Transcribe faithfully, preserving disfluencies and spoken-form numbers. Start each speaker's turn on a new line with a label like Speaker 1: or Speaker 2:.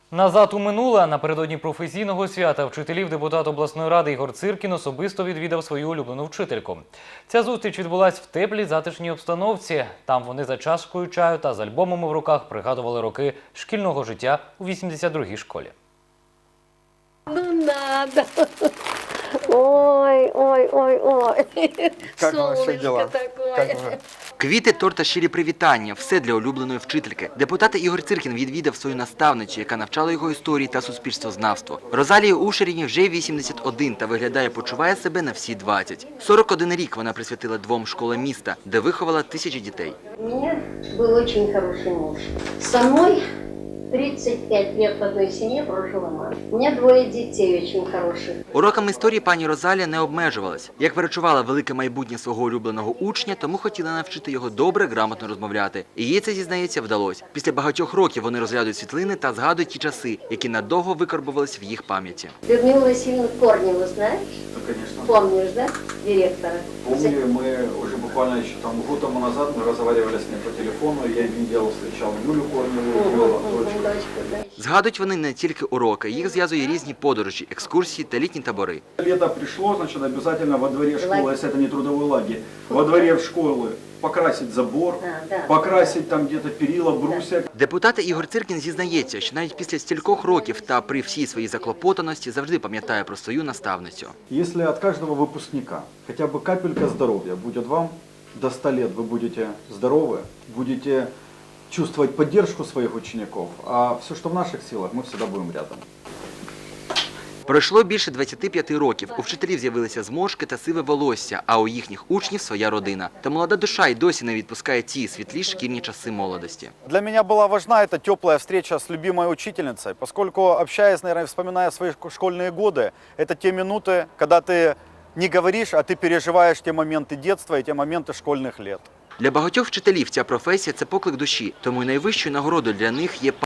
Speaker 1: Назад у минуле. Напередодні професійного свята вчителів депутат обласної ради Ігор Циркін особисто відвідав свою улюблену вчительку. Ця зустріч відбулась в теплій затишній обстановці. Там вони за чашкою чаю та з альбомами в руках пригадували роки шкільного життя у вісімдесят другій школі.
Speaker 2: Ну надо. Ой, ой, ой, ой.
Speaker 3: Как ваши дела?
Speaker 2: Такое.
Speaker 3: Как вы?
Speaker 4: Квіти, торт та щирі привітання – все для улюбленої вчительки. Депутат Ігор Циркін відвідав свою наставницю, яка навчала його історії та суспільствознавству. Розалії Ушеріні вже вісімдесят один та виглядає, почуває себе на всі двадцять. сорок один рік вона присвятила двом школам міста, де виховала тисячі дітей.
Speaker 2: У меня был очень хороший муж. Со мной тридцать пять лет в одной семье прожила мама. У меня двое детей очень хороших.
Speaker 4: Уроками історії пані Розалія не обмежувалась. Як перечувала велике майбутнє свого улюбленого учня, тому хотіла навчити його добре, грамотно розмовляти. І їй це, зізнається, вдалося. Після багатьох років вони розглядують світлини та згадують ті часи, які надовго викарбувались в їх пам'яті.
Speaker 2: Людмилу Васильевну Корневу знаешь?
Speaker 5: Да, конечно.
Speaker 2: Помнишь, да? Директора.
Speaker 5: Помню, мы уже буквально еще там год тому назад мы разговаривали с ней по телефону, я видел, встречал Юлю Корневу, вела дочку.
Speaker 2: Дочку, да.
Speaker 4: Згадують вони не тільки уроки, їх зв'язує різні подорожі, екскурсії та літні табори.
Speaker 5: Лето пришло, значит, обязательно во дворе школы, если это не трудовой лагерь, во дворе школы покрасить забор,
Speaker 2: А, да.
Speaker 5: покрасить там где-то перила, брусья.
Speaker 4: Депутат Ігор Циркін зізнається, що навіть після стількох років та при всій своїй заклопотаності завжди пам'ятає про свою наставницю.
Speaker 5: Если от каждого выпускника хотя бы капелька здоровья будет вам, до ста лет вы будете здоровы, будете чувствовать поддержку своих учеников, а все, что в наших силах, мы всегда будем рядом.
Speaker 4: Пройшло більше двадцяти п'яти років. У вчителів з'явилися зморшки та сиве волосся, а у їхніх учнів своя родина. Та молода душа й досі не відпускає ті світлі шкільні часи молодості.
Speaker 3: Для меня была важна эта теплая встреча с любимой учительницей, поскольку, общаясь, наверное, вспоминая свои школьные годы, это те минуты, когда ты не говоришь, а ты переживаешь те моменты детства и те моменты школьных лет.
Speaker 4: Для багатьох вчителів ця професія – це поклик душі, тому й найвищою нагородою для них є